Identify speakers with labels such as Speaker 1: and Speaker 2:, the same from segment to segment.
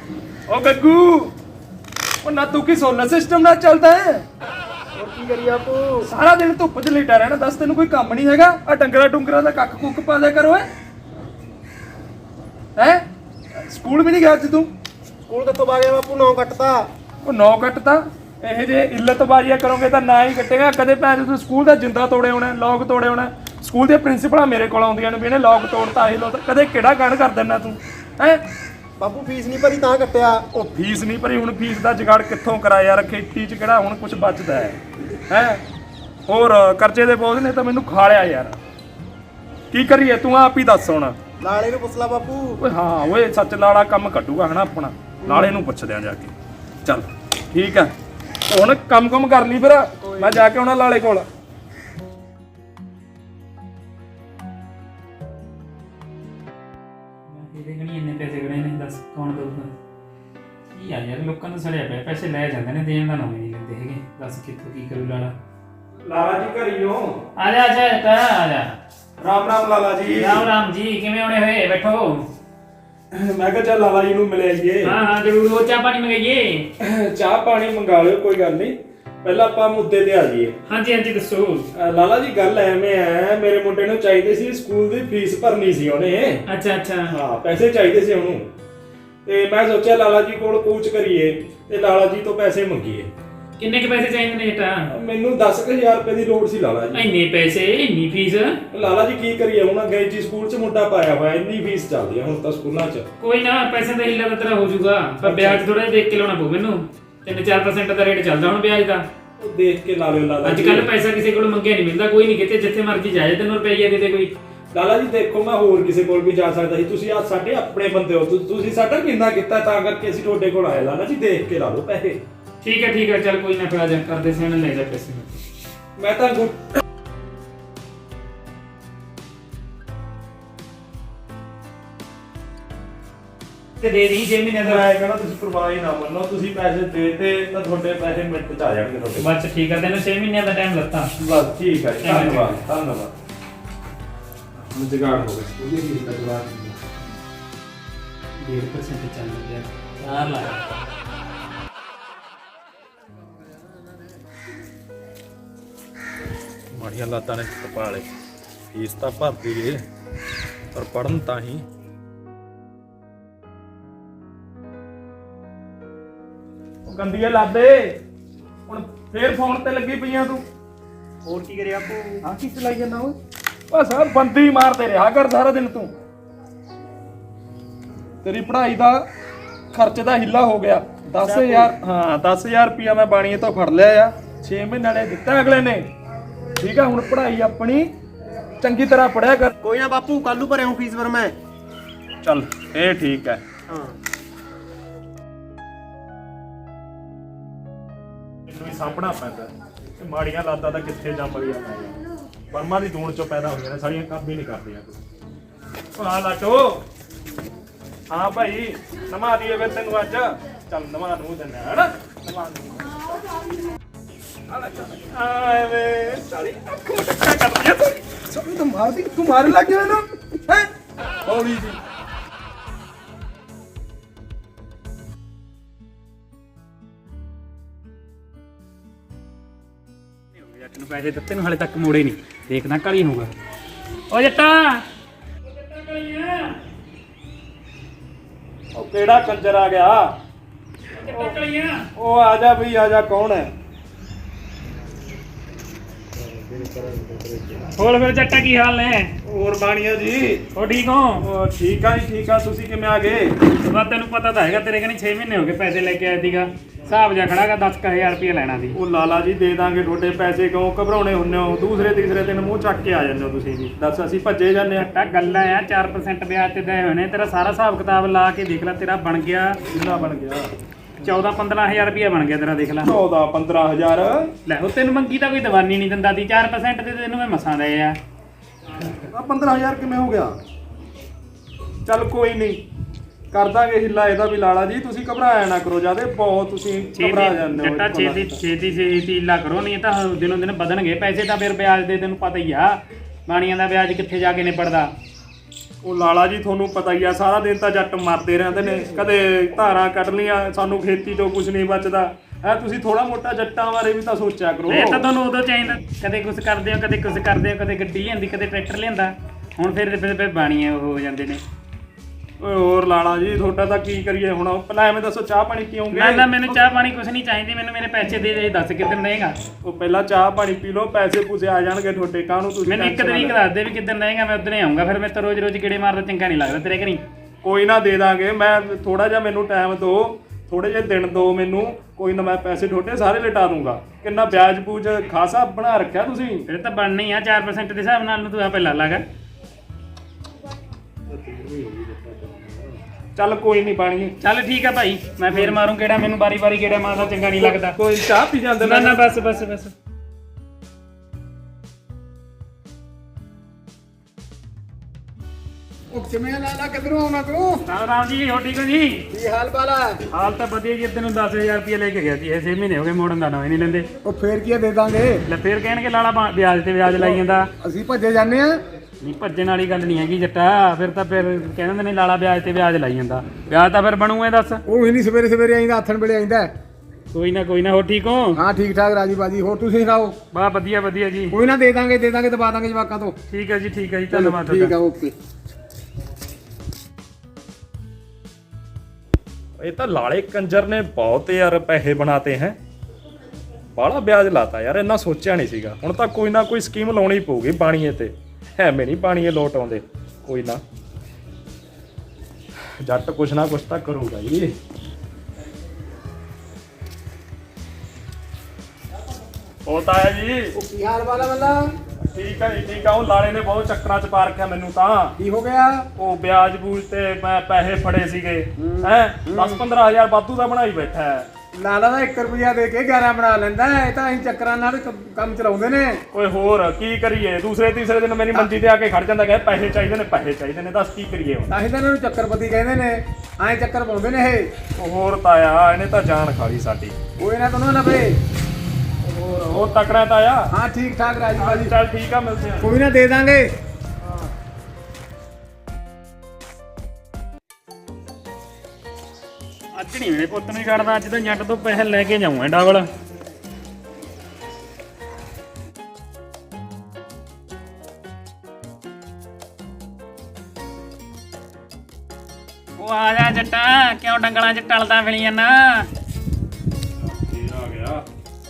Speaker 1: ओ गग्गू ओ ना तू की सोलर सिस्टम ना चलता है और की करिए आपको सारा दिन धुप च लेटा रहना दस तेन कोई काम नहीं हैगा आ डंगरा डुंगरा दा कख कुक पा दिया करो है स्कूल भी नहीं गया तू
Speaker 2: ਸਕੂਲ ਕਿੱਥੋਂ ਆ ਗਿਆ ਬਾਪੂ 9 ਕੱਟਤਾ
Speaker 1: ਉਹ 9 ਕੱਟਤਾ ਇਹ ਜੇ ਇੱਲਤਬਾਜ਼ੀਆਂ ਕਰੋਗੇ ਤਾਂ ਨਾ ਹੀ ਕੱਟੇਗਾ ਕਦੇ ਭੈਣ ਤੂੰ ਸਕੂਲ ਦਾ ਜਿੰਦਾ ਤੋੜੇ ਹੋਣਾ ਲੌਕ ਤੋੜੇ ਹੋਣਾ ਸਕੂਲ ਦੇ ਪ੍ਰਿੰਸੀਪਲਾਂ ਮੇਰੇ ਕੋਲ ਆਉਂਦੀਆਂ ਨੇ ਵੀ ਇਹਨੇ ਲੌਕ ਤੋੜਤਾ ਇਹ ਲੋ ਕਦੇ ਕਿਹੜਾ ਗਣ ਕਰ ਦਿੰਦਾ ਤੂੰ ਹੈ
Speaker 2: ਬਾਪੂ ਫੀਸ ਨਹੀਂ ਭਰੀ ਤਾਂ ਕੱਟਿਆ
Speaker 1: ਉਹ ਫੀਸ ਨਹੀਂ ਭਰੀ ਹੁਣ ਫੀਸ ਦਾ ਜੁਗਾੜ ਕਿੱਥੋਂ ਕਰਾ ਯਾਰ ਖੇਤੀ 'ਚ ਕਿਹੜਾ ਹੁਣ ਕੁਝ ਬਚਦਾ ਹੈ ਹੋਰ ਕਰਜ਼ੇ ਦੇ ਬੋਝ ਨੇ ਤਾਂ ਮੈਨੂੰ ਖਾ ਲਿਆ ਯਾਰ ਕੀ ਕਰੀਏ ਤੂੰ ਆਪ ਹੀ ਦੱਸ ਹੁਣ
Speaker 2: ਲਾਲੇ ਨੂੰ ਪੁੱਛ ਲਾ ਬਾਪੂ
Speaker 1: ਓਏ ਹਾਂ ਓਏ ਸੱਚ ਲਾਲਾ ਕੰਮ ਕੱਢੂਗਾ ਹਨਾ ਆਪਣਾ ਲਾਲੇ ਨੂੰ ਪੁੱਛਦੇ ਆ ਜਾ ਕੇ ਚੱਲ ਠੀਕ ਆ ਹੁਣ ਕੰਮ ਕਰ ਲਈ ਫਿਰ ਮੈਂ ਜਾ ਕੇ ਆਉਣਾ ਲਾਲੇ ਕੋਲ
Speaker 3: ਦੇਖਣੀ ਇੰਨੇ ਪੈਸੇ ਗੜੇ ਨੇ ਦੱਸ ਕੌਣ ਦਊਗਾ ਕੀ ਆ ਯਾਰ ਲੋਕਾਂ ਨੂੰ ਸੜਿਆ ਪਿਆ ਪੈਸੇ ਲੈ ਜਾਂਦੇ ਨੇ ਦੇਣ ਦਾ ਨਾਮ ਹੀ ਨਹੀਂ ਲੈਂਦੇ ਹੈਗੇ ਦੱਸ ਕਿੱਥੋਂ ਕੀ ਕਰੂ ਲਾਲਾ
Speaker 1: ਲਾਲਾ ਜੀ ਘਰੀ ਹੋ
Speaker 3: ਆ ਜਾ ਆ ਜਾ
Speaker 1: ਰਾਮ ਰਾਮ ਲਾਲਾ ਜੀ
Speaker 3: ਰਾਮ ਜੀ ਕਿਵੇਂ ਆਉਣੇ ਹੋਏ ਬੈਠੋ
Speaker 1: ਮੈਂ ਕਿਹਾ ਚੱਲ ਲਾਲਾ ਜੀ ਨੂੰ ਮਿਲ ਆਈਏ
Speaker 3: ਹਾਂ ਜ਼ਰੂਰ ਉਹ ਚਾਹ ਪਾਣੀ ਮੰਗਾਈਏ
Speaker 1: ਚਾਹ ਪਾਣੀ ਮੰਗਾ ਲਿਓ ਕੋਈ ਗੱਲ ਨਹੀਂ ਪਹਿਲਾਂ ਆਪਾਂ ਮੁੱਦੇ ਤੇ ਆ ਜਾਈਏ
Speaker 3: ਹਾਂਜੀ ਦੱਸੋ
Speaker 1: ਲਾਲਾ ਜੀ ਗੱਲ ਐਵੇਂ ਹੈ ਮੇਰੇ ਮੁੰਡੇ ਨੂੰ ਚਾਹੀਦੇ ਸੀ ਸਕੂਲ ਦੀ ਫੀਸ ਭਰਨੀ ਸੀ ਉਹਨੇ
Speaker 3: ਅੱਛਾ
Speaker 1: ਹਾਂ ਪੈਸੇ ਚਾਹੀਦੇ ਸੀ ਉਹਨੂੰ ਤੇ ਮੈਂ ਸੋਚਿਆ ਲਾਲਾ ਜੀ ਕੋਲ ਕੂਚ ਕਰੀਏ ਤੇ ਲਾਲਾ ਜੀ ਤੋਂ ਪੈਸੇ ਮੰਗੀਏ
Speaker 3: ਕਿੰਨੇ ਕੁ ਪੈਸੇ ਚਾਹੀਦੇ ਨੇ ਬੇਟਾ
Speaker 1: ਮੈਨੂੰ 10000 ਰੁਪਏ ਦੀ ਲੋੜ ਸੀ ਲਾਲਾ ਜੀ
Speaker 3: ਇੰਨੇ ਪੈਸੇ ਇੰਨੀ ਫੀਸ
Speaker 1: ਲਾਲਾ ਜੀ ਕੀ ਕਰੀਏ ਹੁਣ ਅੰਗਰੇਜ਼ੀ ਸਕੂਲ 'ਚ ਮੁੰਡਾ ਪਾਇਆ ਹੋਇਆ ਇੰਨੀ ਫੀਸ ਚੱਲਦੀ ਆ ਹੁਣ ਤਾਂ ਸਕੂਲਾਂ 'ਚ
Speaker 3: ਕੋਈ ਨਾ ਪੈਸੇ ਦਾ ਹਿੱਲਾ ਤਾਂ ਤੇਰਾ ਹੋ ਜਾਊਗਾ ਪਰ ਵਿਆਜ ਥੋੜਾ ਜਿਹਾ ਦੇਖ ਕੇ ਲਾਉਣਾ ਪਊ ਮੈਨੂੰ 3-4% ਦਾ ਰੇਟ ਚੱਲਦਾ ਹੁਣ ਵਿਆਜ ਦਾ
Speaker 1: ਉਹ ਦੇਖ ਕੇ ਲਾ ਲਿਓ ਲਾਲਾ
Speaker 3: ਅੱਜ ਕੱਲ ਪੈਸਾ ਕਿਸੇ ਕੋਲ ਮੰਗਿਆ ਨਹੀਂ ਮਿਲਦਾ ਕੋਈ ਨਹੀਂ ਕਿਤੇ ਜਿੱਥੇ ਮਰਜ਼ੀ ਜਾਏ ਤੈਨੂੰ ਰੁਪਈਆ ਦੇ ਦੇ ਕੋਈ
Speaker 1: ਲਾਲਾ ਜੀ ਦੇਖੋ ਮੈਂ ਹੋਰ ਕਿਸੇ ਕੋਲ ਵੀ ਜਾ ਸਕਦਾ ਸੀ ਤੁਸੀਂ ਆ ਸਾਡੇ ਆਪਣੇ ਬੰਦੇ ਹੋ ਤੁਸੀਂ ਸਾਡਾ ਕਿੰਨਾ ਕੀਤਾ ਤਾਂ ਕਰਕੇ ਅਸੀਂ ਤੁਹਾਡੇ ਕੋਲ ਆਏ ਲਾਲਾ ਜੀ ਦੇਖ ਕੇ ਲਾ ਲਓ ਪੈਸੇ
Speaker 3: ਠੀਕ ਹੈ ਚੱਲ ਕੋਈ ਨਾ ਫਿਰ ਆ ਜਾ ਕਰਦੇ ਸਿਆਣੇ ਲੈ ਜਾ ਪੈਸੇ
Speaker 1: ਮੈਂ ਤਾਂ
Speaker 3: ਤੇ ਦੇ ਦੀ 6 ਮਹੀਨੇ ਦਾ
Speaker 1: ਮੈਂ ਕਹਿੰਦਾ ਤੁਸੀਂ ਪਰਵਾਹ ਹੀ ਨਾ ਮੰਨੋ ਤੁਸੀਂ ਪੈਸੇ ਦੇਤੇ ਤਾਂ ਤੁਹਾਡੇ ਪੈਸੇ ਮਿੰਟ 'ਚ ਆ ਜਾਣਗੇ ਤੁਹਾਡੇ
Speaker 3: ਬਸ ਠੀਕ ਹੈ ਤੈਨੂੰ 6 ਮਹੀਨਿਆਂ ਦਾ ਟਾਈਮ ਲੱਤਾ
Speaker 1: ਬਸ ਠੀਕ ਹੈ ਜੀ ਧੰਨਵਾਦ ਹੁਣ ਜਗਾੜ ਹੋ ਗਿਆ ਉਹਦੀ ਫੀਸ ਦਾ ਜਵਾਬ
Speaker 3: 1.5% ਚੱਲ ਗਿਆ 4 ਲੱਖ
Speaker 1: ਮਾੜੀਆਂ ਲਾਤਾਂ ਨੇ ਕਪਾਲੇ ਫੀਸ ਤਾਂ ਭਰਦੀ ਏ ਪਰ ਪੜਨ ਤਾਂ ਹੀ ਉਹ ਗੰਦੀਆਂ ਲਾਦੇ ਹੁਣ ਫੇਰ ਫੋਨ ਤੇ ਲੱਗੀ ਪਈਆਂ ਤੂੰ
Speaker 2: ਹੋਰ ਕੀ ਕਰਿਆ ਬਾਪੂ
Speaker 1: ਆ ਕੀ ਚਲਾਈ ਜਾਂਦਾ ਓਏ ਬਸ ਆ ਬੰਦੀ ਮਾਰਦੇ ਰਿਹਾ ਕਰ ਸਾਰਾ ਦਿਨ ਤੂੰ ਤੇਰੀ ਪੜ੍ਹਾਈ ਦਾ ਖਰਚ ਦਾ ਹਿੱਲਾ ਹੋ ਗਿਆ 10000 ਹਾਂ 10000 ਰੁਪਇਆ ਮੈਂ ਬਾਣੀਏ ਤੋਂ ਫੜ ਲਿਆ ਆ 6 ਮਹੀਨਿਆਂ ਨੇ ਦਿੱਤਾ ਅਗਲੇ ਨੇ ਠੀਕ ਆ ਹੁਣ ਪੜ੍ਹਾਈ ਆਪਣੀ ਚੰਗੀ ਤਰ੍ਹਾਂ ਪੜਿਆ ਕਰ
Speaker 2: ਕੋਈ ਨਾ ਬਾਪੂ ਕੱਲ ਨੂੰ ਭਰਿਆ ਫੀਸ ਫਿਰ ਮੈਂ
Speaker 1: ਚੱਲ ਇਹ ਠੀਕ ਹੈ
Speaker 2: ਹਾਂ
Speaker 1: ਇਹਨੂੰ ਵੀ ਸਾਂਭਣਾ ਪੈਂਦਾ ਤੇ ਮਾੜੀਆਂ ਲਾਤਾਂ ਤਾਂ ਕਿੱਥੇ ਜੰਮ ਗਿਆ ਬਰਮਾ ਦੀ ਦੂਣ ਚੋਂ ਪੈਦਾ ਹੋਈਆਂ ਨੇ ਸਾਰੀਆਂ ਕੰਮ ਹੀ ਨਹੀਂ ਕਰਦੀਆਂ ਕੋਈ ਆ ਲਾਟੋ ਹਾਂ ਭਾਈ ਨਮਾ ਦੀਏ ਫਿਰ ਤੈਨੂੰ ਅੱਜ ਚੱਲ ਨਮਾ ਨੂੰ ਦਿੰਦਾ ਹੈ ਨਾ ਨਮਾ ਨੂੰ ਆਏ ਵੇ ਸਾਰੀ ਅੱਖ ਮਟਕਾ ਕਰਦੀ ਆ ਤੂੰ ਤਾਂ ਮਾਰਦੀ ਤੂੰ ਮਾਰਨ ਲੱਗ ਗਿਆ ਨਾ ਹੈ ਹੌਲੀ ਜੀ
Speaker 3: ਜੱਟ ਨੂੰ ਪੈਸੇ ਦਿੱਤੇ ਨੂੰ ਹਾਲੇ ਤੱਕ ਮੋੜੇ ਨਹੀਂ ਦੇਖਦਾ ਕਾਲੀ ਹੋਊਗਾ ਓ ਜੱਟਾ ਕਲੀਆਂ
Speaker 1: ਉਹ ਕਿਹੜਾ ਕੰਜਰ ਆ ਗਿਆ ਉਹ ਆ ਜਾ ਬਈ ਆ ਜਾ ਕੌਣ ਹੈ
Speaker 3: ਹੋਰ ਫਿਰ ਜੱਟਾ ਕੀ ਹਾਲ ਨੇ
Speaker 1: ਹੋਰ ਬਾਣੀਆ ਜੀ
Speaker 3: ਹੋ ਠੀਕ ਹੋ
Speaker 1: ਉਹ ਠੀਕ ਆ ਜੀ ਠੀਕ ਆ ਤੁਸੀਂ ਕਿਵੇਂ ਆ ਗਏ
Speaker 3: ਬਸ ਤੈਨੂੰ ਪਤਾ ਤਾਂ ਹੈਗਾ ਤੇਰੇ ਕਨੀ 6 ਮਹੀਨੇ ਹੋ ਗਏ ਪੈਸੇ ਲੈ ਕੇ ਆਇਆ ਸੀਗਾ ਹਿਸਾਬ ਜਾ ਖੜਾਗਾ 10000 ਰੁਪਏ ਲੈਣਾ ਸੀ
Speaker 1: ਉਹ ਲਾਲਾ ਜੀ ਦੇ ਦਾਂਗੇ ਤੁਹਾਡੇ ਪੈਸੇ ਕਿਉਂ ਘਬਰਾਉਣੇ ਹੁੰਨੇ ਹੋ ਦੂਸਰੇ ਤੀਸਰੇ ਦਿਨ ਮੂੰਹ ਚੱਕ ਕੇ ਆ ਜਾਂਦੇ ਹੋ ਤੁਸੀਂ ਜੀ ਦੱਸ ਅਸੀਂ ਭੱਜੇ ਜਾਂਦੇ ਆ
Speaker 3: ਤਾਂ ਗੱਲਾਂ ਆ 4% ਵਿਆਜ ਤੇ ਦੇ ਹੋਏ ਨੇ ਤੇਰਾ ਸਾਰਾ ਹਿਸਾਬ ਕਿਤਾਬ ਲਾ ਕੇ ਦੇਖ ਲੈ ਤੇਰਾ ਬਣ ਗਿਆ
Speaker 1: ਕਿੰਨਾ ਬਣ ਗਿਆ
Speaker 3: 14-15000 ਰੁਪਏ ਬਣ ਗਿਆ ਤੇਰਾ ਦੇਖ ਲੈ
Speaker 1: 14-15000
Speaker 3: ਲੈ ਉਹ ਤੈਨੂੰ ਮੰਗੀ ਤਾਂ ਕੋਈ ਦਵਾਨੀ ਨਹੀਂ ਦਿੰਦਾ ਸੀ 4% ਤੇ ਤੈਨੂੰ ਮੈਂ ਮਸਾਂ ਦੇ ਆ
Speaker 1: 15000 ਕਿਵੇਂ ਹੋ ਗਿਆ ਚੱਲ ਕੋਈ ਨਹੀਂ ਕਰ ਦਾਂਗੇ ਹਿੱਲਾ ਇਹਦਾ ਵੀ ਲਾਲਾ ਜੀ ਤੁਸੀਂ ਘਬਰਾਇਆ ਨਾ ਕਰੋ ਜਿਆਦੇ ਬਹੁਤ ਤੁਸੀਂ ਘਬਰਾ ਜਾਂਦੇ ਹੋ
Speaker 3: ਜੱਟਾ ਛੇਤੀ ਹੀਲਾ ਕਰੋ ਨਹੀਂ ਤਾਂ ਦਿਨੋਂ ਦਿਨ ਵਧਣਗੇ ਪੈਸੇ ਤਾਂ ਫਿਰ ਵਿਆਜ ਦੇ ਤੈਨੂੰ ਪਤਾ ਹੀ ਆ ਬਾਣੀਆਂ ਦਾ ਵਿਆਜ ਕਿੱਥੇ ਜਾ ਕੇ ਨਿਪੜਦਾ
Speaker 1: ਉਹ ਲਾਲਾ ਜੀ ਤੁਹਾਨੂੰ ਪਤਾ ਹੀ ਆ, ਸਾਰਾ ਦਿਨ ਤਾਂ ਜੱਟ ਮਰਦੇ ਰਹਿੰਦੇ ਨੇ, ਕਦੇ ਧਾਰਾਂ ਕੱਢ ਲੀਆਂ, ਸਾਨੂੰ ਖੇਤੀ ਤੋਂ ਕੁਝ ਨਹੀਂ ਬਚਦਾ ਹੈ। ਤੁਸੀਂ ਥੋੜਾ ਮੋਟਾ ਜੱਟਾਂ ਬਾਰੇ ਵੀ ਤਾਂ ਸੋਚਿਆ ਕਰੋ।
Speaker 3: ਇਹ ਤਾਂ ਤੁਹਾਨੂੰ ਉਦੋਂ ਚਾਹੀਦਾ, ਕਦੇ ਕੁਝ ਕਰਦੇ ਹੋ, ਕਦੇ ਕੁਝ ਕਰਦੇ ਹੋ, ਕਦੇ ਗੱਡੀ ਲਿਆਂਦੀ, ਕਦੇ ਟਰੈਕਟਰ ਲਿਆਂਦਾ, ਹੁਣ ਫਿਰ ਬਾਣੀਆਂ ਉਹ ਹੋ ਜਾਂਦੇ ਨੇ।
Speaker 1: ਓਏ ਹੋਰ ਲਾਲਾ ਜੀ ਤੁਹਾਡਾ ਤਾਂ ਕੀ ਕਰੀਏ ਹੁਣ। ਪਹਿਲਾਂ ਐਵੇਂ ਦੱਸੋ ਚਾਹ ਪਾਣੀ ਪੀਓਗੇ?
Speaker 3: ਨਾ ਮੈਨੂੰ ਚਾਹ ਪਾਣੀ ਕੁਝ ਨਹੀਂ ਚਾਹੀਦੀ, ਮੈਨੂੰ ਮੇਰੇ ਪੈਸੇ ਦੇ ਦੱਸ ਕਿੱਦਣ ਰਹੇਗਾ।
Speaker 1: ਉਹ ਪਹਿਲਾਂ ਚਾਹ ਪਾਣੀ ਪੀ ਲਓ, ਪੈਸੇ ਪੂਸੇ ਆ ਜਾਣਗੇ ਤੁਹਾਡੇ। ਕਾਹਨੂੰ ਤੁਸੀਂ
Speaker 3: ਮੈਨੂੰ ਇੱਕ ਤਰੀਕ ਦੱਸ ਦੇ ਵੀ ਕਿੱਦਣ ਰਹੇਗਾ, ਮੈਂ ਉਦੋਂ ਹੀ ਆਉਂਗਾ। ਫਿਰ ਮੈਂ ਤਾਂ ਰੋਜ਼ ਗੇੜੇ ਮਾਰਦਾ ਚੰਗਾ ਨਹੀਂ ਲੱਗਦਾ ਤੇਰੇ ਘਰੀ।
Speaker 1: ਕੋਈ ਨਾ ਦੇ ਦਾਂਗੇ, ਮੈਂ ਥੋੜਾ ਜਿਹਾ ਮੈਨੂੰ ਟਾਈਮ ਦਿਓ, ਥੋੜੇ ਜਿਹੇ ਦਿਨ ਦਿਓ ਮੈਨੂੰ, ਕੋਈ ਨਾ ਮੈਂ ਪੈਸੇ ਤੁਹਾਡੇ ਸਾਰੇ ਲਟਾ ਦੂੰਗਾ। ਕਿੰਨਾ ਵਿਆਜ ਬੂਜ ਖਾਸਾ ਬਣਾ ਰੱਖਿਆ ਤੁਸੀਂ।
Speaker 3: ਫਿਰ ਤਾਂ ਬਣਨਾ ਹੀ ਆ 4% ਦੇ ਹਿਸਾਬ ਨਾਲ, ਤੂੰ ਆਪੇ ਲਾ ਲਾਗਾ।
Speaker 1: ਚੱਲ ਕੋਈ ਨਹੀਂ ਪਾਣੀ।
Speaker 3: ਚੱਲ ਠੀਕ ਆ ਭਾਈ, ਮੈਂ ਫੇਰ ਮਾਰੂੰ ਗੇੜਾ, ਮੈਨੂੰ ਵਾਰੀ ਗੇੜਾ ਮਾਰਦਾ ਚੰਗਾ ਨਹੀਂ ਲੱਗਦਾ।
Speaker 1: ਕੋਈ ਚਾਹ ਪੀ ਜਾਂਦੇ
Speaker 3: ਨਾ ਬਸ।
Speaker 2: ਉਹ ਕਿਵੇਂ ਲਾਲਾ ਕਿਧਰੋਂ ਆਉਣਾ ਤੂੰ?
Speaker 3: ਰਾਮ ਜੀ ਹੋ ਠੀਕ ਹੋ ਜੀ?
Speaker 2: ਕੀ ਹਾਲ ਬਾਲਾ?
Speaker 3: ਹਾਲ ਤਾਂ ਵਧੀਆ ਜੀ। ਤੈਨੂੰ 10000 ਰੁਪਏ ਲੈ ਕੇ ਗਿਆ ਸੀ, ਇਹ 6 ਮਹੀਨੇ ਹੋ ਗਏ ਮੋੜਨ ਦਾ ਨਾ ਨਹੀਂ ਲੈਂਦੇ।
Speaker 2: ਉਹ ਫੇਰ ਕੀ ਦੇ ਦਾਂਗੇ?
Speaker 3: ਲੈ ਫੇਰ ਕਹਿਣਗੇ ਲਾਲਾ ਵਿਆਜ ਤੇ ਵਿਆਜ ਲਾਈ ਜਾਂਦਾ।
Speaker 2: ਅਸੀਂ ਭੱਜੇ ਜਾਂਦੇ ਆ।
Speaker 3: ਨਹੀਂ ਭੱਜਣ ਵਾਲੀ ਗੱਲ ਨਹੀਂ ਹੈਗੀ ਜੱਟਾ, ਫਿਰ ਕਹਿੰਦੇ ਨੇ ਲਾਲਾ ਵਿਆਜ ਤੇ ਵਿਆਜ ਲਾਈ ਜਾਂਦਾ। ਵਿਆਜ ਤਾਂ ਫਿਰ ਬਣੂ ਇਹ ਦੱਸ।
Speaker 2: ਉਹ ਹੀ ਨਹੀਂ ਸਵੇਰੇ ਆਈਂਦਾ, ਆਥਣ ਵੇਲੇ ਆਈਂਦਾ।
Speaker 3: ਕੋਈ ਨਾ ਹੋ ਠੀਕ ਹੋ?
Speaker 2: ਹਾਂ ਠੀਕ ਠਾਕ ਰਾਜੀ ਬਾਜੀ। ਹੋਰ ਤੁਸੀਂ ਸੁਣਾਓ?
Speaker 3: ਬਾ ਵਧੀਆ ਜੀ।
Speaker 2: ਕੋਈ ਨਾ ਦੇ ਦਾਂਗੇ ਦਬਾ ਦਾਂਗੇ ਜਵਾਕਾਂ ਤੋਂ।
Speaker 3: ਠੀਕ ਹੈ ਜੀ ਧੰਨਵਾਦ
Speaker 2: ਠੀਕ ਆ ਓਕੇ।
Speaker 1: ਇਹ ਤਾਂ ਲਾਲੇ ਕੰਜਰ ਨੇ ਬਹੁਤ ਯਾਰ ਪੈਸੇ ਬਣਾਤੇ ਹੈ, ਬਾਹਲਾ ਵਿਆਜ ਲਾਤਾ ਯਾਰ, ਇੰਨਾ ਸੋਚਿਆ ਨਹੀਂ ਸੀਗਾ। ਹੁਣ ਤਾਂ ਕੋਈ ਨਾ ਕੋਈ ਸਕੀਮ ਲਾਉਣੀ ਪਊਗੀ ਬਾਣੀਏ ਤੇ, ਐਵੇਂ ਨਹੀਂ ਬਾਣੀਏ ਲੋਟ ਆਉਂਦੇ। ਕੋਈ ਨਾ ਜੱਟ ਕੁਛ ਨਾ ਕੁਛ ਤਾਂ ਕਰੂਗਾ ਜੀ। ਉਹ ਤਾਂ ਹੈ ਜੀ।
Speaker 2: ਉਹ ਕੀ ਹਾਲ ਬਾਲਾ ਬੱਲਾ?
Speaker 1: ਠੀਕ ਹੈ ਜੀ ਠੀਕ ਆ। ਉਹ ਲਾਲੇ ਨੇ ਬਹੁਤ ਚੱਕਰਾਂ ਚ ਪਾ ਰੱਖਿਆ ਮੈਨੂੰ ਤਾਂ।
Speaker 2: ਕੀ ਹੋ ਗਿਆ?
Speaker 1: ਉਹ ਵਿਆਜ ਬੂਜ ਤੇ ਮੈਂ ਪੈਸੇ ਫੜੇ ਸੀਗੇ ਹੈ, 10-15 ਹਜ਼ਾਰ ਵਾਧੂ ਦਾ ਬਣਾਈ ਬੈਠਾ ਹੈ।
Speaker 2: ਲਾਲਾ ਦਾ 1 ਰੁਪਿਆ ਦੇ ਕੇ 11 ਬਣਾ ਲੈਂਦਾ। ਇਹ ਤਾਂ ਅਸੀਂ ਚੱਕਰਾਂ ਨਾਲ ਕੰਮ ਚਲਾਉਂਦੇ ਨੇ।
Speaker 1: ਓਏ ਹੋਰ ਕੀ ਕਰੀਏ, ਦੂਸਰੇ ਤੀਸਰੇ ਦਿਨ ਮੇਰੀ ਮੰਜੀ ਤੇ ਆ ਕੇ ਖੜ ਜਾਂਦਾ ਕਿ ਪੈਸੇ ਚਾਹੀਦੇ ਨੇ, ਦੱਸ ਕੀ ਕਰੀਏ ਹੁਣ।
Speaker 2: ਤਾਂ ਹੀ ਤਾਂ ਇਹਨਾਂ ਨੂੰ ਚੱਕਰਪਤੀ ਕਹਿੰਦੇ ਨੇ, ਐਂ ਚੱਕਰ ਪਾਉਂਦੇ ਨੇ ਇਹ।
Speaker 1: ਉਹ ਹੋਰ ਤਾਇਆ ਇਹਨੇ ਤਾਂ ਜਾਨ ਖਾ ਲਈ ਸਾਡੀ।
Speaker 2: ਕੋਈ ਨਾ ਤੁਹਾਨੂੰ ਲੱਭੇ।
Speaker 1: ਉਹ ਤਕੜਾ ਤਾਇਆ।
Speaker 2: ਹਾਂ ਠੀਕ ਠਾਕ ਰਾਜੀ ਬਾਜੀ।
Speaker 1: ਚੱਲ ਠੀਕ ਆ, ਮਿਲਦੇ ਆ।
Speaker 2: ਕੋਈ ਨਾ ਦੇ ਦਾਂਗੇ।
Speaker 3: ਅੱਜ ਨਹੀਂ ਮੇਰੇ ਪੁੱਤ ਨੂੰ ਛੱਡਦਾ, ਅੱਜ ਤਾਂ ਜੱਟ ਤੋਂ ਪੈਸੇ ਲੈ ਕੇ ਜਾਊਂਗਾ ਡਬਲ। ਉਹ ਆ ਜਾ ਜੱਟਾ, ਕਿਉਂ ਡੰਗਲਾਂ 'ਚ ਟਲਦਾ ਫਿਲੀ ਜਾਂਦਾ?
Speaker 1: ਆ ਗਿਆ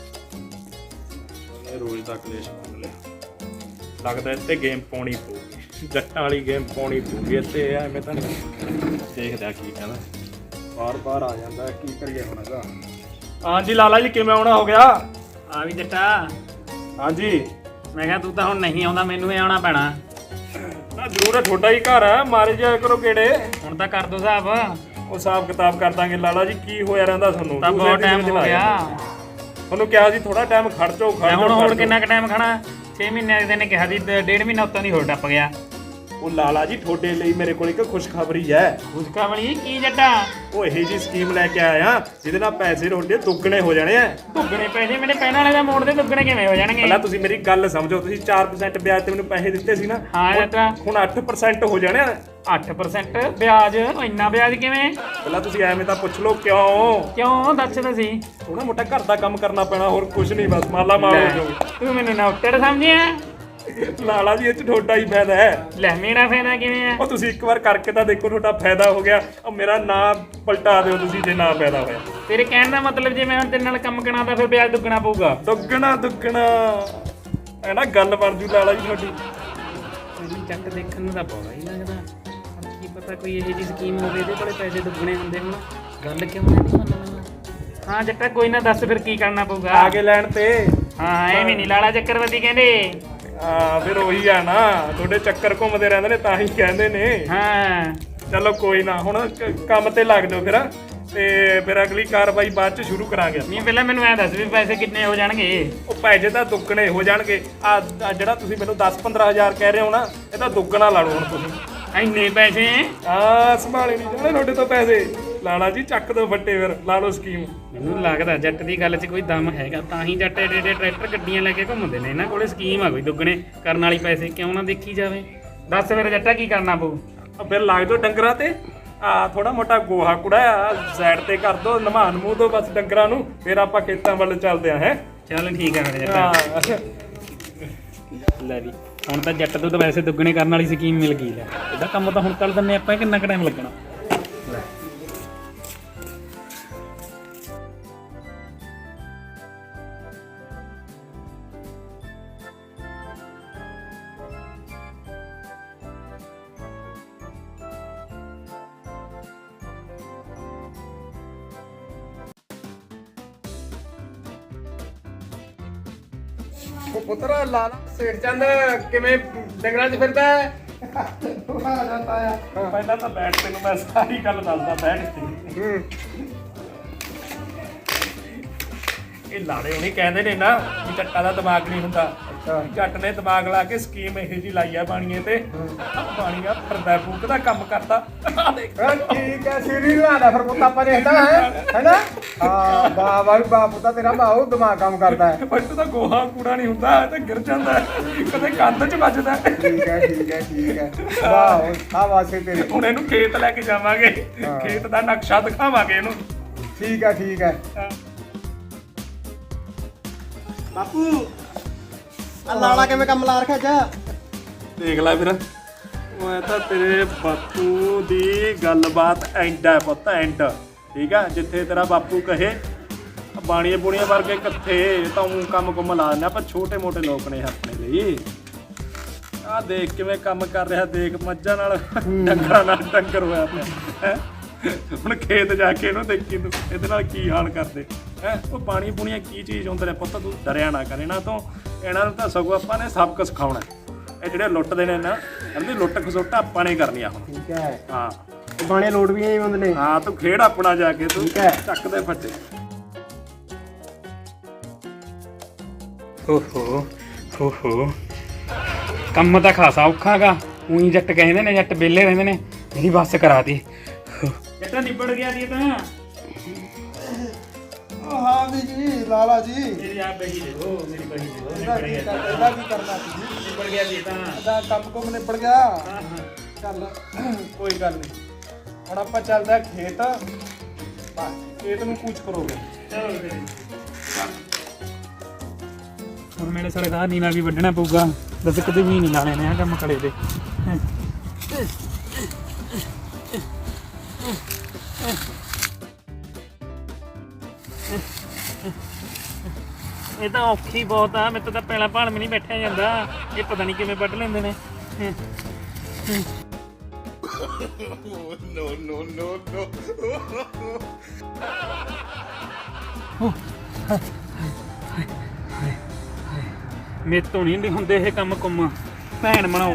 Speaker 1: ਇਹ ਰੋਜ਼ ਦਾ ਕਲੇਸ਼ ਮੰਨ ਲਿਆ। ਲੱਗਦਾ ਇੱਥੇ ਗੇਮ ਪਾਉਣੀ ਪਊਗੀ, ਜੱਟਾਂ ਵਾਲੀ ਗੇਮ ਪਾਉਣੀ ਪਊਗੀ ਇੱਥੇ। ਐਵੇਂ ਤਾਂ ਨਹੀਂ, ਦੇਖਦਾ ਕੀ ਕਹਿੰਦਾ। ਬਾਰ ਆ ਜਾਂਦਾ, ਕੀ ਕਰੀਏ ਹੁਣ ਇਹਦਾ। ਹਾਂਜੀ ਲਾਲਾ ਜੀ ਕਿਵੇਂ ਆਉਣਾ ਹੋ ਗਿਆ?
Speaker 3: ਆ ਵੀ ਜੱਟਾ।
Speaker 1: ਹਾਂਜੀ
Speaker 3: ਮੈਂ ਕਿਹਾ ਤੂੰ ਤਾਂ ਹੁਣ ਨਹੀਂ ਆਉਂਦਾ, ਮੈਨੂੰ ਹੀ ਆਉਣਾ ਪੈਣਾ।
Speaker 1: ਨਾ ਜ਼ਰੂਰ ਹੈ, ਤੁਹਾਡਾ ਹੀ ਘਰ ਹੈ, ਮਾਰੇ ਜਾਇਆ ਕਰੋ ਕਿਹੜੇ।
Speaker 3: ਹੁਣ ਤਾਂ ਕਰ ਦੋ ਹਿਸਾਬ।
Speaker 1: ਉਹ ਹਿਸਾਬ ਕਿਤਾਬ ਕਰ ਦਾਂਗੇ ਲਾਲਾ ਜੀ। ਕੀ ਹੋਇਆ ਰਹਿੰਦਾ ਤੁਹਾਨੂੰ?
Speaker 3: ਤਾਂ ਬਹੁਤ ਟਾਈਮ ਹੋ ਗਿਆ।
Speaker 1: ਤੁਹਾਨੂੰ ਕਿਹਾ ਸੀ ਥੋੜਾ ਟਾਈਮ ਖੜ ਜਾਓ।
Speaker 3: ਹੁਣ ਹੋਰ ਕਿੰਨਾ ਕੁ ਟਾਈਮ ਖੜਾ? 6 ਮਹੀਨੇ ਦੇ ਨੇ ਕਿਹਾ ਸੀ, 1.5 ਮਹੀਨਾ ਉੱਤਾਂ ਦੀ ਹੋਰ ਟੱਪ ਗਿਆ।
Speaker 1: ਉਹ ਲਾਲਾ ਜੀ ਤੁਹਾਡੇ ਲਈ ਮੇਰੇ ਕੋਲ ਇੱਕ ਖੁਸ਼ਖਬਰੀ ਹੈ।
Speaker 3: ਖੁਸ਼ਖਬਰੀ ਕੀ ਜੱਟਾ?
Speaker 1: ਉਹ ਇਹੀ ਜੀ ਸਕੀਮ ਲੈ ਕੇ ਆਇਆ ਜਿਹਦੇ ਨਾਲ ਪੈਸੇ ਤੁਹਾਡੇ ਦੁੱਗਣੇ ਹੋ ਜਾਣੇ ਆ।
Speaker 3: ਦੁੱਗਣੇ ਪੈਸੇ? ਮੇਰੇ ਪੈਣ ਵਾਲੇ ਦਾ ਮੋੜ ਦੇ ਦੁੱਗਣੇ ਕਿਵੇਂ ਹੋ ਜਾਣਗੇ?
Speaker 1: ਪਹਿਲਾਂ ਤੁਸੀਂ ਮੇਰੀ ਗੱਲ ਸਮਝੋ। ਤੁਸੀਂ 4% ਵਿਆਜ ਤੇ ਮੈਨੂੰ ਪੈਸੇ ਦਿੱਤੇ ਸੀ ਨਾ।
Speaker 3: ਹਾਂ ਜੱਟਾ।
Speaker 1: ਹੁਣ 8% ਹੋ ਜਾਣੇ ਆ।
Speaker 3: 8% ਵਿਆਜ? ਇੰਨਾ ਵਿਆਜ ਕਿਵੇਂ?
Speaker 1: ਪਹਿਲਾਂ ਤੁਸੀਂ ਐਵੇਂ ਤਾਂ ਪੁੱਛ ਲਓ ਕਿਉਂ
Speaker 3: ਦੱਸ ਤਾਂ ਸੀ।
Speaker 1: ਥੋੜਾ ਮੋਟਾ ਘਰ ਦਾ ਕੰਮ ਕਰਨਾ ਪੈਣਾ, ਹੋਰ ਕੁਝ ਨਹੀਂ, ਬਸ ਮਾਲਾ ਮਾਰ ਹੋ ਜਾਓ।
Speaker 3: ਤੂੰ ਮੈਨੂੰ ਨਾ ਉੱਤੜ ਸਮਝਿਆ?
Speaker 1: ਲਾਲਾ ਜੀ ਇਹ ਚ ਤੁਹਾਡਾ ਹੀ ਫਾਇਦਾ ਹੈ।
Speaker 3: ਲੈ ਮੇਰਾ ਫਾਇਦਾ ਕਿਵੇਂ ਆ?
Speaker 1: ਉਹ ਤੁਸੀਂ ਇੱਕ ਵਾਰ ਕਰਕੇ ਤਾਂ ਦੇਖੋ, ਤੁਹਾਡਾ ਫਾਇਦਾ ਹੋ ਗਿਆ। ਉਹ ਮੇਰਾ ਨਾਂ ਪਲਟਾ ਦਿਓ ਤੁਸੀਂ ਜੇ ਨਾ ਫਾਇਦਾ ਹੋਇਆ।
Speaker 3: ਤੇਰੇ ਕਹਿਣ ਦਾ ਮਤਲਬ ਜੇ ਮੈਂ ਹੁਣ ਤੇਰੇ ਨਾਲ ਕੰਮ ਕਰਾਉਂਦਾ ਫਿਰ ਵਿਆਜ ਦੁੱਗਣਾ ਪਊਗਾ?
Speaker 1: ਦੁੱਗਣਾ ਐ ਨਾ ਗੱਲ ਬਣ ਜੂ ਲਾਲਾ ਜੀ ਤੁਹਾਡੀ।
Speaker 3: ਤੈਨੂੰ ਚੱਕ ਦੇਖਣ ਨੂੰ ਤਾਂ ਬੜਾ ਹੀ ਲੱਗਦਾ। ਹੁਣ ਕੀ ਪਤਾ ਕੋਈ ਇਹੋ ਜਿਹੀ ਸਕੀਮ ਹੋਵੇ ਇਹਦੇ ਕੋਲੇ ਪੈਸੇ ਦੁੱਗਣੇ ਹੁੰਦੇ ਹੁਣ। ਗੱਲ ਕਿਉਂ ਨਹੀਂ ਮੰਨਣਾ? ਹਾਂ ਜੱਟਾ ਕੋਈ ਨਾ, ਦੱਸ ਫਿਰ ਕੀ ਕਰਨਾ ਪਊਗਾ?
Speaker 1: ਆ ਕੇ ਲੈਣ ਤੇ।
Speaker 3: ਹਾਂ ਐਵੇਂ ਨਹੀਂ ਲਾਲਾ ਚੱਕਰਵਰਤੀ ਕਹਿੰਦੇ।
Speaker 1: ਹਾਂ ਫਿਰ ਉਹੀ ਆ ਨਾ, ਤੁਹਾਡੇ ਚੱਕਰ ਘੁੰਮਦੇ ਰਹਿੰਦੇ ਨੇ ਤਾਂ ਹੀ ਕਹਿੰਦੇ ਨੇ।
Speaker 3: ਹਾਂ
Speaker 1: ਚਲੋ ਕੋਈ ਨਾ, ਹੁਣ ਕੰਮ ਤੇ ਲੱਗ ਜਾਓ ਫਿਰ, ਤੇ ਫਿਰ ਅਗਲੀ ਕਾਰਵਾਈ ਬਾਅਦ ਚ ਸ਼ੁਰੂ ਕਰਾਂਗੇ।
Speaker 3: ਨਹੀਂ ਪਹਿਲਾਂ ਮੈਨੂੰ ਐ ਦੱਸ ਵੀ ਪੈਸੇ ਕਿੰਨੇ ਹੋ ਜਾਣਗੇ?
Speaker 1: ਉਹ ਪੈਸੇ ਤਾਂ ਦੁੱਗਣੇ ਹੋ ਜਾਣਗੇ। ਆ ਜਿਹੜਾ ਤੁਸੀਂ ਮੈਨੂੰ 10-15 ਹਜ਼ਾਰ ਕਹਿ ਰਹੇ ਹੋ ਨਾ, ਇਹ ਤਾਂ ਦੁੱਗਣਾ ਲਾ ਲਓ ਹੁਣ ਤੁਸੀਂ।
Speaker 3: ਇੰਨੇ ਪੈਸੇ?
Speaker 1: ਸੰਭਾਲੇ ਨਹੀਂ ਜਾਣੇ ਤੁਹਾਡੇ ਤੋਂ ਪੈਸੇ। ਲਾਲਾ ਜੀ ਚੱਕ ਦੋ ਫੱਟੇ, ਫਿਰ ਲਾ ਲਓ ਸਕੀਮ।
Speaker 3: ਮੈਨੂੰ ਲੱਗਦਾ ਜੱਟ ਦੀ ਗੱਲ 'ਚ ਕੋਈ ਦਮ ਹੈਗਾ, ਤਾਂ ਹੀ ਜੱਟ ਏਡੇ ਟਰੈਕਟਰ ਗੱਡੀਆਂ ਲੈ ਕੇ ਘੁੰਮਦੇ ਨੇ। ਇਹਨਾਂ ਕੋਲੇ ਸਕੀਮ ਆ ਕੋਈ ਦੁੱਗਣੇ ਕਰਨ ਵਾਲੀ, ਪੈਸੇ ਕਿਉਂ ਨਾ ਦੇਖੀ ਜਾਵੇ। ਦੱਸ ਫਿਰ ਜੱਟਾ ਕੀ ਕਰਨਾ ਪਊ?
Speaker 1: ਫਿਰ ਲੱਗ ਜਾਓ ਡੰਗਰਾਂ ਤੇ ਆ ਥੋੜਾ ਮੋਟਾ ਗੋਹਾ ਕੁੜਾ ਸਾਈਡ ਤੇ ਕਰ ਦੋ ਨਮਾਨ ਮੂੰਹ ਤੋਂ ਬਸ ਡੰਗਰਾਂ ਨੂੰ ਫਿਰ ਆਪਾਂ ਖੇਤਾਂ ਵੱਲ ਚੱਲਦੇ ਆ ਹੈ
Speaker 3: ਚੱਲ ਠੀਕ ਆ ਫਿਰ ਜੱਟਾ ਲੈ ਵੀ ਹੁਣ ਤਾਂ ਜੱਟ ਤੋਂ ਤਾਂ ਵੈਸੇ ਦੁੱਗਣੇ ਕਰਨ ਵਾਲੀ ਸਕੀਮ ਮਿਲ ਗਈ ਲੈ ਇਹਦਾ ਕੰਮ ਤਾਂ ਹੁਣ ਕਰ ਦਿੰਨੇ ਆਪਾਂ ਕਿੰਨਾ ਕੁ ਟਾਈਮ ਲੱਗਣਾ
Speaker 2: ਉਹ ਪੁੱਤਰਾ ਲਾਲਾ ਸੇਠ ਚੰਦ ਕਿਵੇਂ ਡੰਗਰਾਂ 'ਚ ਫਿਰਦਾ ਹੈ?
Speaker 1: ਪਹਿਲਾਂ ਤਾਂ ਬੈਠ ਤੈਨੂੰ ਮੈਂ ਸਾਰੀ ਗੱਲ ਦੱਸਦਾ ਬੈਠ ਤੇ ਇਹ ਲਾੜੇ ਹੁਣੀ ਕਹਿੰਦੇ ਨੇ ਨਾ ਵੀ ਜੱਟਾਂ ਦਾ ਦਿਮਾਗ ਨਹੀਂ ਹੁੰਦਾ ਜੱਟ ਨੇ ਦਿਮਾਗ ਲਾ ਕੇ ਸਕੀਮ ਇਹੋ ਜੀ ਲਾਈ ਆ ਬਾਣੀਏ ਤੇ ਬਾਣੀਆ ਫਰਦਾ ਫੂਕ ਦਾ ਕੰਮ ਕਰਦਾ
Speaker 2: ਠੀਕ ਹੈ ਸੀਰੀ ਲਾਦਾ ਫਿਰ ਪੁੱਤ ਆਪਾਂ ਦੇਖਦਾ ਹੈਨਾ ਹਾਂ ਵਾਹ ਵਾਹ ਵਾਹ ਪੁੱਤਾ ਤੇਰਾ ਬਾਹੂ ਦਿਮਾਗ ਕੰਮ ਕਰਦਾ ਹੈ
Speaker 1: ਬੱਟ ਤਾਂ ਗੋਹਾ ਕੂੜਾ ਨਹੀਂ ਹੁੰਦਾ ਤੇ ਗਿਰ ਜਾਂਦਾ ਕਦੇ ਕੰਧ 'ਚ ਵੱਜਦਾ
Speaker 2: ਠੀਕ ਹੈ ਠੀਕ ਹੈ ਠੀਕ ਹੈ ਵਾਹ ਆ ਵਾਸੇ ਤੇਰੇ
Speaker 1: ਹੁਣ ਇਹਨੂੰ ਖੇਤ ਲੈ ਕੇ ਜਾਵਾਂਗੇ ਖੇਤ ਦਾ ਨਕਸ਼ਾ ਦਿਖਾਵਾਂਗੇ ਇਹਨੂੰ
Speaker 2: ਠੀਕ ਹੈ ਠੀਕ ਹੈ
Speaker 4: ਬਾਪੂ ਆ ਲਾਲਾ ਕਿਵੇਂ ਕੰਮ ਲਾ ਰੱਖਿਆ ਜਾ
Speaker 1: ਦੇਖ ਲੈ ਵੀਰ ਉਹ ਤਾਂ ਤੇਰੇ ਬਾਪੂ ਦੀ ਗੱਲਬਾਤ ਐਂਡ ਹੈ ਪੁੱਤ ਐਂਡ ਠੀਕ ਆ ਜਿੱਥੇ ਤੇਰਾ ਬਾਪੂ ਕਹੇ ਬਾਣੀਏ ਬੁਣੀਆਂ ਵਰਗੇ ਕਿੱਥੇ ਤਾਂ ਉਹ ਕੰਮ ਕੁੰਮ ਲਾ ਦਿੰਦੇ ਆਪਾਂ ਛੋਟੇ ਮੋਟੇ ਲੋਕ ਨੇ ਆਪਣੇ ਲਈ ਆਹ ਦੇਖ ਕਿਵੇਂ ਕੰਮ ਕਰ ਰਿਹਾ ਦੇਖ ਮੱਝਾਂ ਨਾਲ ਡੰਗਰਾਂ ਨਾਲ ਡੰਗਰ ਹੋਇਆ ਪਿਆ ਹੈਂ। ਹੁਣ ਖੇਤ ਜਾ ਕੇ ਇਹਨੂੰ ਦੇਖੀ ਤੂੰ ਇਹਦੇ ਨਾਲ ਕੀ ਹਾਲ ਕਰਦੇ ਹੈ ਉਹ ਪਾਣੀ ਪੂਣੀਆਂ ਕੀ ਚੀਜ਼ ਹੁੰਦੇ ਨੇ ਪੁੱਤ ਤੂੰ ਡਰਿਆ ਨਾ ਕਰ ਇਹਨਾਂ ਤੋਂ ਇਹਨਾਂ ਨੂੰ ਤਾਂ ਸਗੋਂ ਆਪਾਂ ਨੇ ਸਬਕ ਸਿਖਾਉਣਾ ਇਹ ਜਿਹੜੇ ਲੁੱਟਦੇ ਨੇ ਨਾ ਕਹਿੰਦੇ ਲੁੱਟ ਖਸੁੱਟ ਆਪਾਂ ਨੇ ਕਰਨੀ ਆ ਹੁਣ
Speaker 4: ਠੀਕ ਹੈ
Speaker 1: ਹਾਂ
Speaker 4: ਬਾਣੇ ਲੋਟ ਵੀ ਆਈ ਬੰਦੇ ਨੇ
Speaker 1: ਹਾਂ ਤੂੰ ਖੇਡ ਆਪਣਾ ਜਾ ਕੇ ਤੂੰ
Speaker 4: ਠੀਕ ਹੈ।
Speaker 1: ਚੱਕ ਦੇ ਫੱਟੇ
Speaker 3: ਓਹੋ ਓਹੋ ਕੰਮ ਤਾਂ ਖਾਸਾ ਔਖਾਗਾ ਉਹੀ ਜੱਟ ਕਹਿੰਦੇ ਨੇ ਜੱਟ ਵਿਹਲੇ ਰਹਿੰਦੇ ਨੇ ਜਿਹੜੀ ਬੱਸ ਕਰਾਤੀ ਜੱਟਾ ਨਿਬੜ ਗਿਆ ਦੀ ਤਾਂ
Speaker 4: ਉਹ ਹਾਂ ਵੀ ਜੀ ਲਾਲਾ ਜੀ
Speaker 3: ਮੇਰੀ ਆਪ ਬਹੀ ਦੇਖੋ ਮੇਰੀ ਬਹੀ ਦੇਖੋ
Speaker 4: ਇਹਦਾ ਕੀ ਕਰਨਾ ਸੀ
Speaker 3: ਨਿਬੜ ਗਿਆ ਦੀ ਤਾਂ
Speaker 4: ਇਹਦਾ ਕੰਮ ਕੁਮ ਨਿਬੜ ਗਿਆ
Speaker 3: ਹਾਂ ਹਾਂ
Speaker 4: ਚੱਲ
Speaker 1: ਕੋਈ ਗੱਲ ਨਹੀਂ ਹੁਣ ਆਪਾਂ ਚੱਲਦੇ ਆ ਖੇਤ ਬਸ ਖੇਤ ਨੂੰ ਕੂਚ ਕਰੋਗੇ
Speaker 3: ਚਲੋ ਫਿਰ ਹੁਣ ਮੇਰੇ ਸਰਕਾਰ ਨੀਨਾ ਵੀ ਵੱਢਣਾ ਪਊਗਾ ਦੱਸ ਕਿਤੇ ਵੀ ਨਹੀਂ ਲਾਣੇ ਨੇ ਆ ਕੰਮ ਕੜੇ ਦੇ ਇਹ ਤਾਂ ਔਖੀ ਬਹੁਤ ਆ ਮੇਰੇ ਤੋਂ ਤਾਂ ਪਹਿਲਾਂ ਭਾਣ ਵੀ ਨਹੀਂ ਬੈਠਿਆ ਜਾਂਦਾ ਇਹ ਪਤਾ ਨਹੀਂ ਕਿਵੇਂ ਵੱਢ ਲੈਂਦੇ ਨੇ ਮੇਰੇ ਤੋਂ ਨਹੀਂ ਹੁੰਦੇ ਇਹ ਕੰਮ ਕੁੰਮ ਭੈਣ ਬਣਾਓ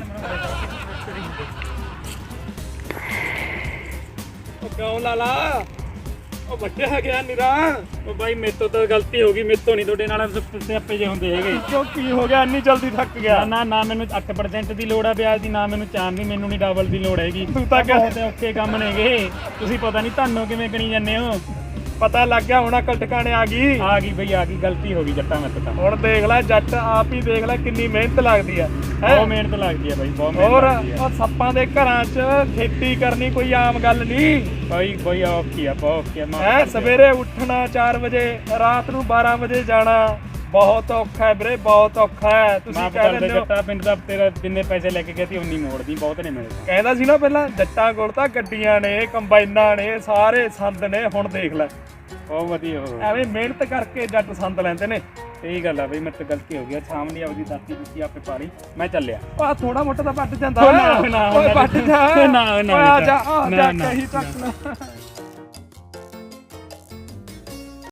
Speaker 1: ਉਹ ਕਿਉਂ ਲਾਲਾ ਉਹ ਵੱਡਿਆ ਗਿਆ ਨਿਰਾ
Speaker 3: ਉਹ ਬਾਈ ਮੇਰੇ ਤੋਂ ਤਾਂ ਗਲਤੀ ਹੋ ਗਈ ਮੇਰੇ ਤੋਂ ਨਹੀਂ ਤੁਹਾਡੇ ਨਾਲ ਸਿਆਪੇ ਜੇ ਹੁੰਦੇ ਹੈਗੇ
Speaker 1: ਕਿਉਂ ਕੀ ਹੋ ਗਿਆ ਇੰਨੀ ਜਲਦੀ ਥੱਕ ਗਿਆ
Speaker 3: ਨਾ ਮੈਨੂੰ 8% ਦੀ ਲੋੜ ਆ ਵਿਆਜ ਦੀ ਨਾ ਮੈਨੂੰ ਚਾਰ ਦੀ ਮੈਨੂੰ ਨਹੀਂ ਡਬਲ ਦੀ ਲੋੜ ਹੈਗੀ
Speaker 1: ਤੂੰ ਤਾਂ
Speaker 3: ਬਹੁਤ ਔਖੇ ਕੰਮ ਨੇਗੇ ਤੁਸੀਂ ਪਤਾ ਨਹੀਂ ਤੁਹਾਨੂੰ ਕਿਵੇਂ ਗਣੀ ਜਾਂਦੇ ਹੋ
Speaker 1: ਪਤਾ ਲੱਗ ਗਿਆ ਹੁਣ ਅਕਲ ਟਿਕਾਣੇ ਆ ਗਈ
Speaker 3: ਬਈ ਆ ਗਈ ਗਲਤੀ ਹੋ ਗਈ ਜੱਟਾਂ ਮੇਰੇ ਤੋਂ ਤਾਂ
Speaker 1: ਹੁਣ ਦੇਖ ਲੈ ਜੱਟ ਆਪ ਹੀ ਦੇਖ ਲੈ ਕਿੰਨੀ ਮਿਹਨਤ ਲੱਗਦੀ ਆ
Speaker 3: ਬਹੁਤ ਮਿਹਨਤ ਲੱਗਦੀ ਆ ਬਾਈ ਬਹੁਤ ਮਿਹਨਤ
Speaker 1: ਹੋਰ
Speaker 3: ਲੱਗਦੀ ਆ
Speaker 1: ਉਹ ਸੱਪਾਂ ਦੇ ਘਰਾਂ 'ਚ ਖੇਤੀ ਕਰਨੀ ਕੋਈ ਆਮ ਗੱਲ ਨਹੀਂ
Speaker 3: ਬਾਈ ਔਖੀ ਆ ਬਹੁਤ ਔਖੀ ਆ
Speaker 1: ਹੈ ਸਵੇਰੇ ਉੱਠਣਾ 4 ਵਜੇ ਰਾਤ ਨੂੰ 12 ਵਜੇ ਜਾਣਾ ਬਹੁਤ ਔਖਾ ਹੈ ਵੀਰੇ ਬਹੁਤ ਔਖਾ ਹੈ ਤੁਸੀਂ ਕਹਿੰਦੇ ਹੋ
Speaker 3: ਜੱਟਾ ਪਿੰਡ ਦਾ ਤੇਰਾ ਜਿੰਨੇ ਪੈਸੇ ਲੈ ਕੇ ਗਿਆ ਸੀ ਉਨੀ ਮੋੜਦੀ ਬਹੁਤ ਨੇ ਮੇਰੇ
Speaker 1: ਕਹਿੰਦਾ ਸੀ ਨਾ ਪਹਿਲਾਂ ਜੱਟਾਂ ਕੋਲ ਤਾਂ ਗੱਡੀਆਂ ਨੇ ਕੰਬਾਈਨਾਂ ਨੇ ਸਾਰੇ ਸੰਦ ਨੇ ਹੁਣ ਦੇਖ ਲੈ
Speaker 3: ਬਹੁਤ ਵਧੀਆ ਹੋ
Speaker 1: ਐਵੇਂ ਮਿਹਨਤ ਕਰਕੇ ਜੱਟ ਸੰਦ ਲੈਂਦੇ ਨੇ
Speaker 3: ਸਹੀ ਗੱਲ ਆ ਬਈ ਮੇਰੇ ਤੋਂ ਗਲਤੀ ਹੋ ਗਈ ਸ਼ਾਮ ਦੀ ਆਪਦੀ ਦਾਤੀ ਦਿੱਤੀ ਆਪੇ ਪਾਲੀ ਮੈਂ ਚੱਲਿਆ
Speaker 1: ਆ ਥੋੜਾ ਮੋਟਾ ਤਾਂ ਵੱਟ ਜਾਂਦਾ
Speaker 3: ਨਾ
Speaker 1: ਓਏ ਵੱਟ ਜਾ
Speaker 3: ਨਾ
Speaker 1: ਓਏ ਆ ਜਾ ਕਹੀ ਤੱਕ ਨਾ